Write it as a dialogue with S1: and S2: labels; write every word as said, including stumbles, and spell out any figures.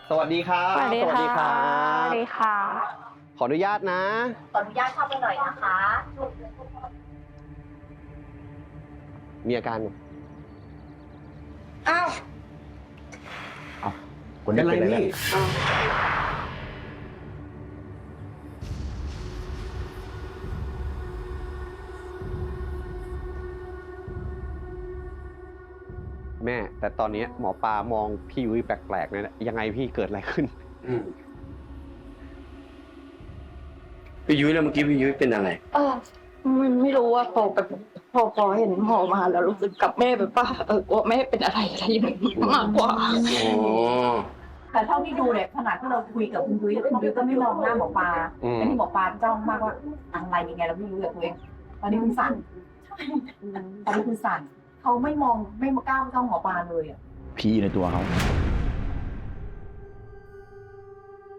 S1: สวัสดีครับ
S2: สวัสดีค่ะ
S1: ครั
S2: สวัสดีค่ะ
S1: ขออนุญาตนะ
S3: ขออนุญาตเข้าไปหน่อยนะคะ
S1: มีอาการ
S3: อ้าว
S4: คนนี้เป็นอะไรเนี่ย
S1: แม่ แต่ตอนนี้หมอปลามองพี่ยุ้ยแปลกๆเลยนะยังไงพี่เกิดอะไรขึ้น
S4: อืมพี่ยุ้ยแล้วเมื่อกี้พี่ยุ้ยเป็นอะไร
S5: เออมันไม่รู้ว่าพอแบบพอพอเห็นหมอมาแล้วรู้สึกกับแม่แบบว่าเออกลัวแม่เป็นอะไรอะไรอย่างนี้มากกว่า
S4: อ๋อ
S3: แต่เท่าที่ดูเนี่ยขนาดที่เราคุยกับคุณยุ้ยคุณยุ้ยก็ไม่มองหน้าหมอปลา
S1: อืม
S3: แต่ที่หมอปลาจ้องมากว่าอะไรยังไงเราไม่รู้กับตัวเองตอนนี้คุณสั่นตอนนี้คุณสั่นเขาไม่มองไม่มากล้าจ้องหมอปลาเลยอ่ะ
S6: ผีในตัวเขา